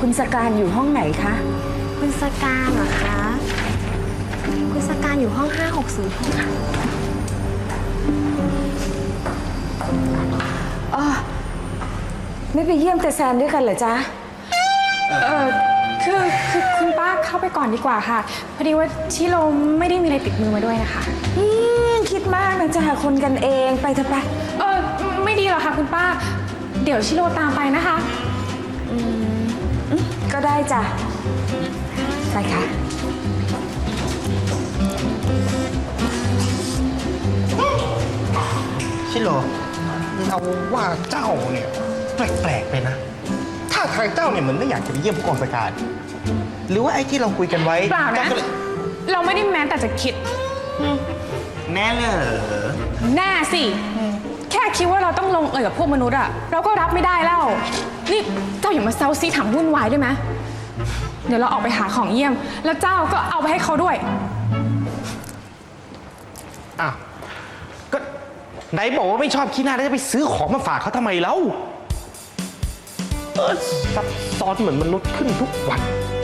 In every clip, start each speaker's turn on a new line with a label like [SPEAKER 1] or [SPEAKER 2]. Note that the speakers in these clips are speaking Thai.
[SPEAKER 1] คุณสการอยู่ห้องไหนคะ
[SPEAKER 2] คุณสการเหรอคะ คุณสการอยู่ห้อง5606ค่ะ
[SPEAKER 1] อ๋อไม่ไปเยี่ยมแต่แซมด้วยกันเหรอจ๊ะ
[SPEAKER 3] คือคุณป้าเข้าไปก่อนดีกว่าค่ะ พอดีว่าชิโร่ไม่ได้มีอะไรติดมือมาด้วยนะคะ
[SPEAKER 1] คิดมากนะจ๊ะคนกันเองไปเถอะไป
[SPEAKER 3] ไม่ดีหรอกค่ะคุณป้า เดี๋ยวชิโร่ตามไปนะคะ
[SPEAKER 1] ก็ได้จ้ะไปค่ะ
[SPEAKER 4] ชิโร่เราว่าเจ้าเนี่ยแปลกๆไปนะถ้าทางเจ้าเนี่ยเหมือนไม่อยากจะไปเยี่ยมผู้กองสการหรือว่าไอ้ที่เราคุยกันไว้
[SPEAKER 3] เปล่านะ
[SPEAKER 4] เจ้าก็เลย
[SPEAKER 3] เราไม่ได้แม้แต่จะคิด
[SPEAKER 4] แน่เลยเหรอ
[SPEAKER 3] แน่สิ แค่คิดว่าเราต้องลงเอยกับพวกมนุษย์อะเราก็รับไม่ได้แล้ว นี่เจ้าอย่ามาเซาซีถามวุ่นวายได้ไหมเดี๋ยวเราออกไปหาของเยี่ยม แล้วเจ้าก็เอาไปให้เขาด้วย
[SPEAKER 4] อ้าวก็ไหนบอกว่าไม่ชอบขี้หน้าแล้วจะไปซื้อของมาฝากเขาทำไมเล่าซับซ้อนเหมือนมนุษย์ขึ้นทุกวัน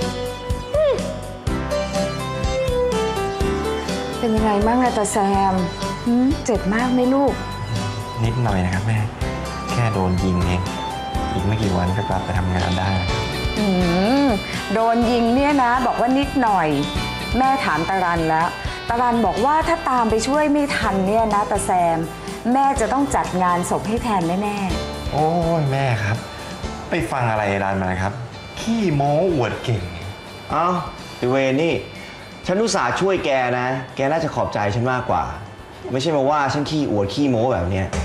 [SPEAKER 1] เป็นยังไงบ้างอะตาแซมเจ็บมากไหมลูก
[SPEAKER 5] นิดหน่อยนะครับแม่ แค่โดนยิงเอง อีกไม่กี่วันก็กลับไปทำงานได้
[SPEAKER 1] โดนยิงเนี่ยนะ บอกว่านิดหน่อย แม่ถามตารันแล้วตารันบอกว่าถ้าตามไปช่วยไม่ทันเนี่ยนะตาแซม แม่จะต้องจัดงานศพให้แทนแน่
[SPEAKER 5] โอ้ยแม่ครับ ไปฟังอะไรร้านมาครับ ขี้โม้อวดเก่ง
[SPEAKER 6] เอ้าไอเวรนี่ ฉันอุตส่าห์ช่วยแกนะ แกน่าจะขอบใจฉันมากกว่า ไม่ใช่มาว่าฉันขี้อวดขี้โม้แบบเนี้ย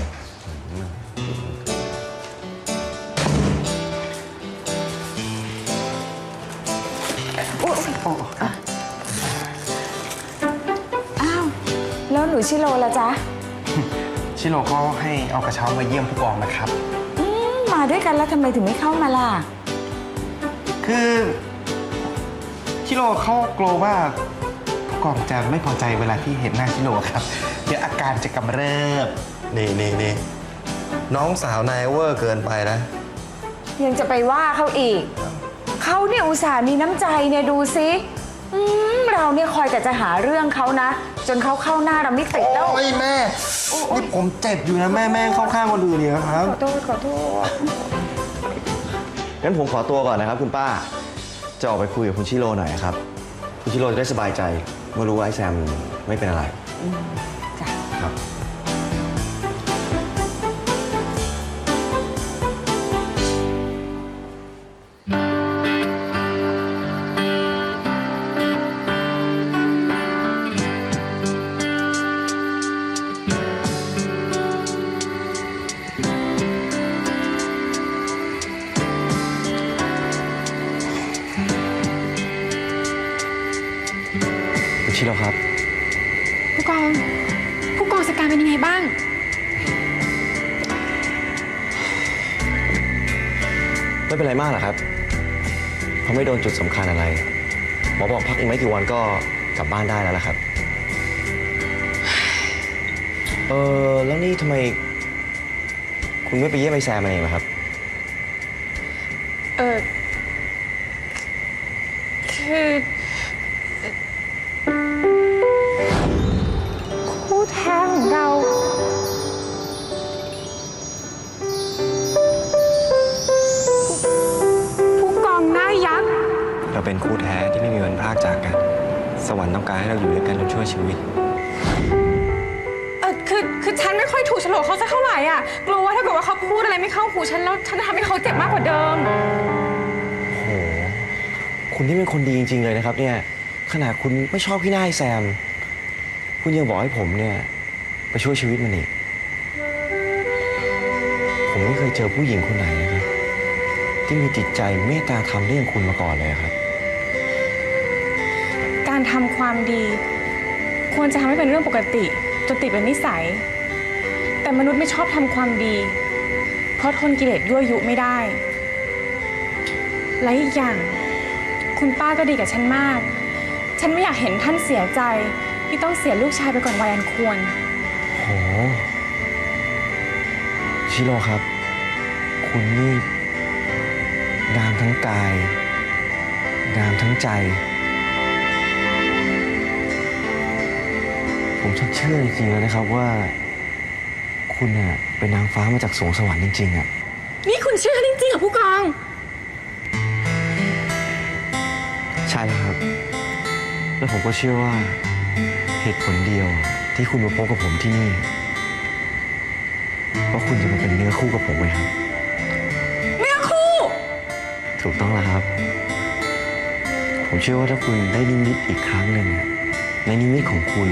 [SPEAKER 1] ๆอ้าวแล้วหนูชิโร่ละจ๊ะ
[SPEAKER 5] ชิโร่ก็ให้เอากระเช้ามาเยี่ยมผู้กองนะครับ
[SPEAKER 1] มาด้วยกันแล้วทำไมถึงไม่เข้ามาล่ะ
[SPEAKER 5] คือชิโร่เขากลัวว่าผู้กองจะไม่พอใจเวลาที่เห็นหน้าชิโร่ครับ เดี๋ยวอาการจะกำเริบ
[SPEAKER 4] นี่น้องสาวนายเวอร์เกินไปนะ
[SPEAKER 1] ยังจะไปว่าเขาอีก เขาเนี่ยอุตส่าห์มีน้ำใจเนี่ยดูสิเราเนี่ยคอยแต่จะหาเรื่องเขานะ จนเขาเข้าหน้าเราไม่ติดแล้ว
[SPEAKER 4] โอ้ยแม่ นี่ผมเจ็บอยู่นะแม่เข้าข้างคนอื่นเนี่ยครับ
[SPEAKER 1] ขอโทษ
[SPEAKER 6] งั้นผมขอตัวก่อนนะครับคุณป้า จะออกไปคุยกับคุณชิโร่หน่อยครับ คุณชิโร่จะได้สบายใจเมื่อรู้ว่าไอ้แซมไม่เป็นอะไร
[SPEAKER 1] จ้ะ
[SPEAKER 6] ครับ คุณชิโร่ครับ
[SPEAKER 3] ผู้กองสการเป็นยังไงบ้าง
[SPEAKER 6] ไม่เป็นไรมากหรอกครับเขาไม่โดนจุดสำคัญอะไร หมอบอกพักอีกไม่กี่วันก็กลับบ้านได้แล้วล่ะครับ แล้วนี่ทำไม คุณไม่ไปเยี่ยมไอ้แซมมันเองล่ะครับ
[SPEAKER 3] คือคู่แท้ของเรา ผู้กองหน้ายักษ์
[SPEAKER 5] เราเป็นคู่แท้ที่ไม่มีวันพรากจากกัน สวรรค์ต้องการให้เราอยู่ด้วยกันจนชั่วชีวิต
[SPEAKER 3] คือฉันไม่ค่อยถูกโฉลกเขาสักเท่าไหร่อ่ะ กลัวว่าถ้าเกิดว่าเขาพูดอะไรไม่เข้าหูฉันแล้วฉันจะทำให้เขาเจ็บมากกว่าเดิม
[SPEAKER 6] โอ้โห คุณนี่เป็นคนดีจริงๆเลยนะครับเนี่ย ขนาดคุณไม่ชอบพี่หน้าไอ้แซม คุณยังบอกให้ผมเนี่ยไปช่วยชีวิตมันอีก ผมไม่เคยเจอผู้หญิงคนไหนนะครับ ที่มีจิตใจเมตตาธรรมได้อย่างคุณมาก่อนเลยครับ
[SPEAKER 3] การทำความดี ควรจะทำให้เป็นเรื่องปกติจนติดเป็นนิสัย แต่มนุษย์ไม่ชอบทำความดี เพราะทนกิเลสยั่วยุไม่ได้ และอีกอย่าง คุณป้าก็ดีกับฉันมาก ฉันไม่อยากเห็นท่านเสียใจที่ต้องเสียลูกชายไปก่อนวัยอันควร
[SPEAKER 6] โห ชิโร่ครับ คุณนี่งามทั้งกายงามทั้งใจ ผมชักเชื่อจริงๆแล้วนะครับว่า คุณน่ะเป็นนางฟ้ามาจากสวงสวรรค์จริงๆอ่ะ
[SPEAKER 3] นี่คุณเชื่อจริงๆเหรอผู้กอง
[SPEAKER 6] ใช่แล้วครับ แล้วผมก็เชื่อว่าเหตุผลเดียวที่คุณมาพบกับผมที่นี่เพราะคุณจะมาเป็นเนื้อคู่กับผมไงครับ
[SPEAKER 3] เนื้อคู่
[SPEAKER 6] ถูกต้องแล้วครับ ผมเชื่อว่าถ้าคุณได้นิมิตอีกครั้งหนึ่งอะในนิมิตของคุณ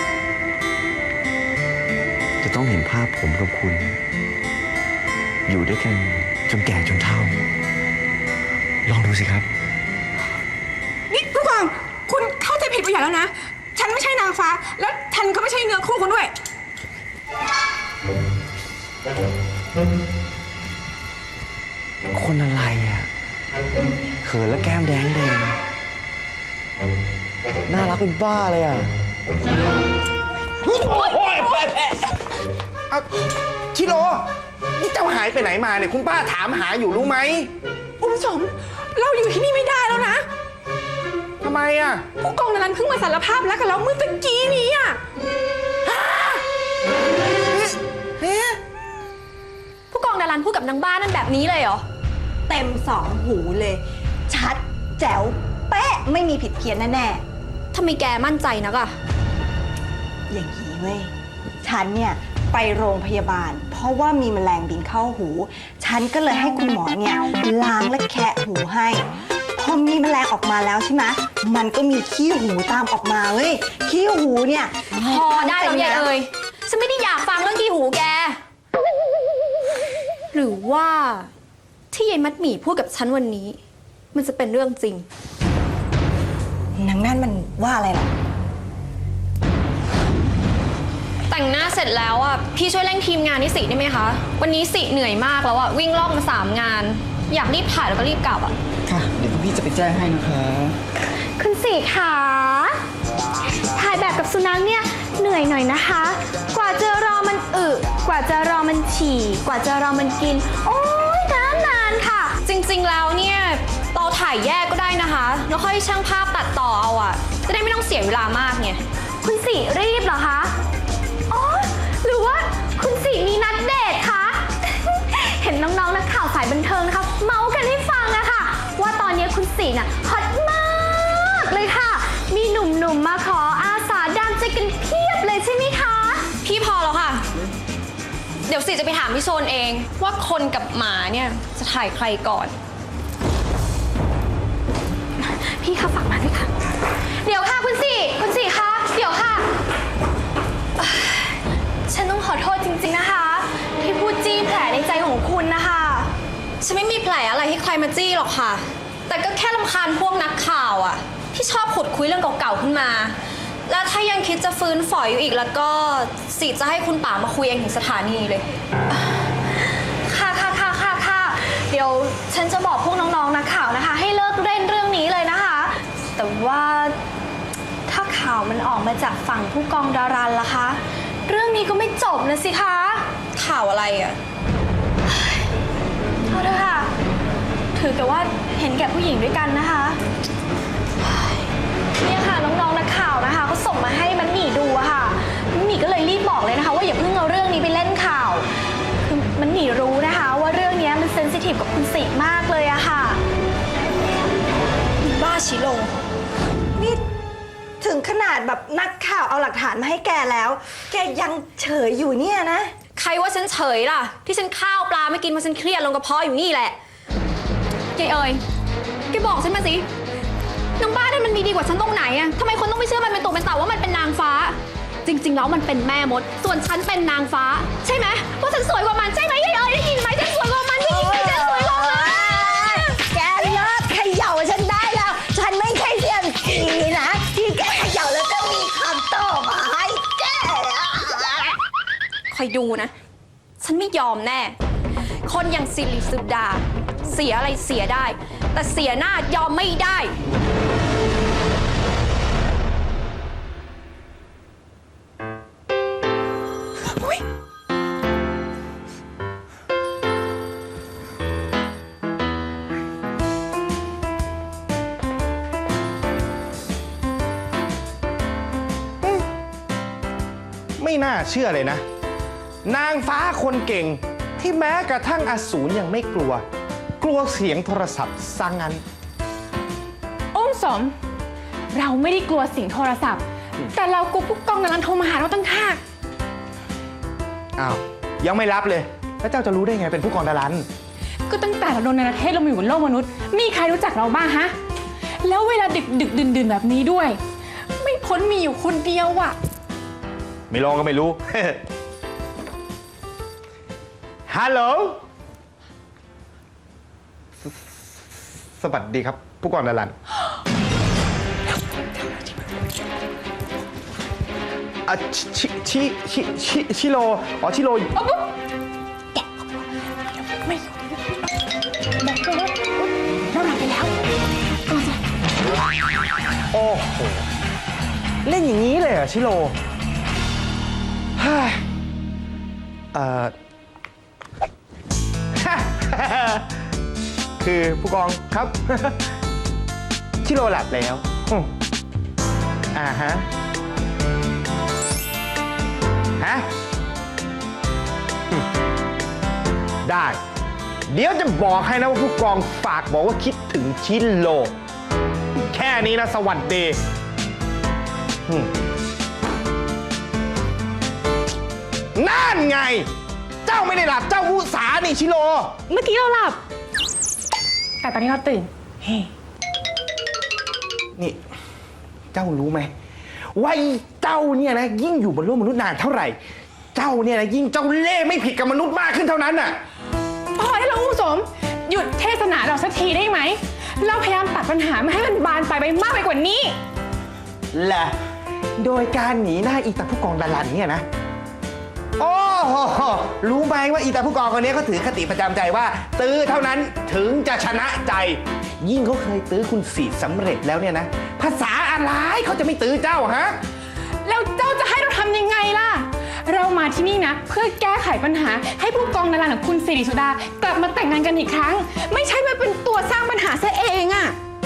[SPEAKER 6] จะต้องเห็นภาพผมกับคุณ อยู่ด้วยกันจนแก่จนเฒ่า ลองดูสิครับ
[SPEAKER 3] นี่ผู้กอง คุณเข้าใจผิดไปอย่างแล้วนะ ฉันไม่ใช่นางฟ้า แล้วฉันก็ไม่ใช่เนื้อคู่คุณด้วย
[SPEAKER 6] คนอะไรอ่ะเขินแล้วแก้มแดงแดงน่ารักเป็นบ้าเลยอ่ะ
[SPEAKER 5] เอาชิโร่นี่เจ้าหายไปไหนมาเนี่ยคุณป้าถามหาอยู่รู้ไหม
[SPEAKER 3] อุ้มสม เราอยู่ที่นี่ไม่ได้แล้วนะ
[SPEAKER 5] ทำไมอ่ะ
[SPEAKER 3] ผู้กองนันเพิ่งมาสารภาพแล้วกับเราเมื่อตะกี้นี้อ่ะ
[SPEAKER 2] ผู้กองดารันพูดกับนางบ้านนั่นแบบนี้เลยเหรอ เต็มสองหูเลย ชัดแจ๋วเป๊ะไม่มีผิดเพี้ยนแน่ๆทำไมแกมั่นใจนักอะอย่างนี้เว้ย ฉันเนี่ยไปโรงพยาบาล เพราะว่ามีแมลงบินเข้าหู ฉันก็เลยให้คุณหมอเนี่ยล้างและแคะหูให้ พอมีแมลงออกมาแล้วใช่ไหมมันก็มีขี้หูตามออกมาเว้ย ขี้หูเนี่ย
[SPEAKER 7] พอได้แล้วยายเอ๋ยฉันไม่ได้อยากฟังเรื่องขี้หูแก หรือว่าที่ยายมัดหมี่พูดกับฉันวันนี้ มันจะเป็นเรื่องจริง
[SPEAKER 2] นางนั่นมันว่าอะไรหรอ
[SPEAKER 7] แต่งหน้าเสร็จแล้วอ่ะพี่ช่วยเร่งทีมงานที่สิได้ไหมคะ วันนี้สิเหนื่อยมากแล้วอ่ะวิ่งรอบมา3 งาน อยากรีบถ่ายแล้วก็รีบกลับอ่ะ
[SPEAKER 8] ค่ะ เดี๋ยวพี่จะไปแจ้งให้นะคะ
[SPEAKER 2] คุณสีขาถ่ายแบบกับสุนัขเนี่ยเหนื่อยหน่อยนะคะ กว่าจะรอมันกว่าจะรอมันฉี่ กว่าจะรอมันกิน โอ้ยนานค่ะ
[SPEAKER 7] จริงๆแล้วเนี่ยเราถ่ายแยกก็ได้นะคะ แล้วค่อยช่างภาพตัดต่อเอาอ่ะจะได้ไม่ต้องเสียเวลามากไง
[SPEAKER 2] คุณสีรีบเหรอคะ อ๋อ หรือว่าคุณสีมีนัดเดทคะ เห็นน้องๆนักข่าวสายบันเทิงนะคะ เมาส์กันให้ฟังอะค่ะ ว่าตอนนี้คุณสีน่ะฮอตมากเลยค่ะ มีหนุ่มๆมาขออาสาดามใจกันเพียบเลยใช่ไหมคะ
[SPEAKER 7] พี่พอแล้วค่ะ เดี๋ยวสิจะไปถามพี่โซนเองว่าคนกับหมาเนี่ยจะถ่ายใครก่อน
[SPEAKER 2] พี่คะฝากมาด้วยค่ะ เดี๋ยวค่ะคุณสี่คะเดี๋ยวค่ะเอ่อฉันต้องขอโทษจริงๆนะคะ ที่พูดจี้แผลในใจของคุณนะคะ
[SPEAKER 7] ฉันไม่มีแผลอะไรให้ใครมาจี้หรอกค่ะ แต่ก็แค่รำคาญพวกนักข่าวอะที่ชอบขุดคุยเรื่องเก่าๆขึ้นมา แล้วถ้ายังคิดจะฟื้นฝอยอยู่อีกแล้วก็สิจะให้คุณป๋ามาคุยเองถึงสถานีเลย
[SPEAKER 2] ค่ะ เดี๋ยวฉันจะบอกพวกน้องๆนักข่าวนะคะ ให้เลิกเล่นเรื่องนี้เลยนะคะ แต่ว่าถ้าข่าวมันออกมาจากฝั่งผู้กองดารันล่ะคะ เรื่องนี้ก็ไม่จบนะสิคะ
[SPEAKER 7] ข่าวอะไรอะ
[SPEAKER 2] เอาเถอะค่ะ ถือแต่ว่าเห็นแก่ผู้หญิงด้วยกันนะคะเนี่ยค่ะน้องๆนักข่าวนะคะก็ส่งมาให้มันหมี่ดูอะค่ะมันหมี่ก็เลยรีบบอกเลยนะคะว่าอย่าเพิ่งเอาเรื่องนี้ไปเล่นข่าวคือมันหมี่รู้นะคะว่าเรื่องนี้มันเซนซิทีฟกับคุณสิมากเลยอะค่ะ
[SPEAKER 7] บ้าชิโร่
[SPEAKER 2] นี่ถึงขนาดแบบนักข่าวเอาหลักฐานมาให้แกแล้ว แกยังเฉยอยู่เนี่ยนะ
[SPEAKER 7] ใครว่าฉันเฉยล่ะ ที่ฉันข้าวปลาไม่กินเพราะฉันเครียดลงกระเพาะอยู่นี่แหละยายเอ๋ยแกบอกฉันมาสินางบ้านนั่นมันมีดีกว่าฉันตรงไหนอะทำไมคนต้องไม่เชื่อมันเป็นตัวเป็นตาว่ามันเป็นนางฟ้า จริงๆแล้วมันเป็นแม่มด ส่วนฉันเป็นนางฟ้า ใช่ไหมว่าฉันสวยกว่ามันใช่ไหมยายเอ๋ยได้ยินไหมฉันสวยกว่ามันได้ยินไหมฉันสวยกว่ามันแกเลิกเขย่าฉันได้แล้ว ฉันไม่ใช่เสียงผีนะ ที่แกเขย่าแล้วจะมีคำตอบมาให้แกคอยดูนะ ฉันไม่ยอมแน่ คนอย่างสิริสุดา เสียอะไรเสียได้ แต่เสียหน้ายอมไม่ได้
[SPEAKER 4] ไม่น่าเชื่อเลยนะ นางฟ้าคนเก่งที่แม้กระทั่งอสูรยังไม่กลัว กลัวเสียงโทรศัพท์ซะงั้น
[SPEAKER 3] อุ้มสม เราไม่ได้กลัวเสียงโทรศัพท์ แต่เรากลัวผู้กองดารันโทรมาหาเราตั้งหาก
[SPEAKER 4] อ้าว ยังไม่รับเลย แล้วเจ้าจะรู้ได้ไงเป็นผู้กองดารัน
[SPEAKER 3] ก็ตั้งแต่เราโดนในประเทศเรามาอยู่บนโลกมนุษย์ มีใครรู้จักเราบ้างฮะ แล้วเวลาดึกดื่นแบบนี้ด้วย ไม่พ้นมีอยู่คนเดียวอะ
[SPEAKER 4] ไม่ลองก็ไม่รู้ ฮัลโหล สวัสดีครับ ผู้กองดารันอ่ะชิโร่อ๋อชิโร่
[SPEAKER 3] ไม่อยู่บอกเลยว่าเราหลับไปแล้ว
[SPEAKER 4] โอ้โห เล่นอย่างนี้เลยเหรอชิโร่เฮ้ยคือผู้กองครับ ชิโร่หลับแล้วฮะ ได้ เดี๋ยวจะบอกให้นะว่าผู้กองฝากบอกว่าคิดถึงชิโร่แค่นี้นะสวัสดีนั่นไง เจ้าไม่ได้หลับเจ้าอุตสานี่ชิโร่
[SPEAKER 3] เมื่อกี้เราหลับ แต่ตอนนี้เราตื่น เฮ้
[SPEAKER 4] นี่ เจ้ารู้ไหมว่าเจ้าเนี่ยนะยิ่งอยู่บนโลกมนุษย์นานเท่าไหร่ เจ้าเนี่ยนะยิ่งเจ้าเล่ห์ไม่ผิดกับมนุษย์มากขึ้นเท่านั้นน่ะ
[SPEAKER 3] พอได้แล้วอุ้มสม หยุดเทศนาเราสักทีได้ไหม เราพยายามตัดปัญหาไม่ให้มันบานไปมากไปกว่านี้
[SPEAKER 4] และโดยการหนีหน้าอีตาผู้กองดารันเนี่ยนะ โอ้โหรู้ไหมว่าอีตาผู้กองคนนี้เขาถือคติประจำใจว่า ตื้อเท่านั้นถึงจะชนะใจ ยิ่งเขาเคยตื้อคุณสีสำเร็จแล้วเนี่ยนะ ภาษาอะไรเขาจะไม่ตื้อเจ้าฮะ
[SPEAKER 3] แล้วเจ้าจะให้เราทำยังไงล่ะ เรามาที่นี่นะเพื่อแก้ไขปัญหาให้ผู้กองดารันกับคุณสิริสุดากลับมาแต่งงานกันอีกครั้ง ไม่ใช่มาเป็นตัวสร้างปัญหาซะเองอะ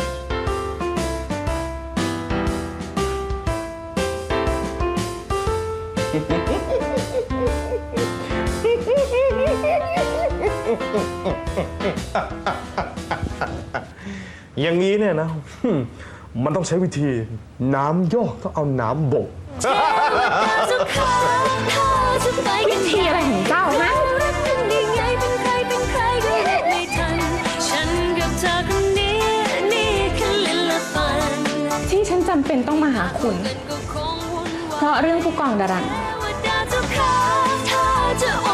[SPEAKER 9] อย่างนี้เนี่ยนะ มันต้องใช้วิธีน้ำยอกต้องเอาน้ำบ่ง
[SPEAKER 3] วิธีอะไรของเจ้าฮะ ที่ฉันจำเป็นต้องมาหาคุณ เพราะเรื่องผู้กองดารัน
[SPEAKER 10] เธอจะ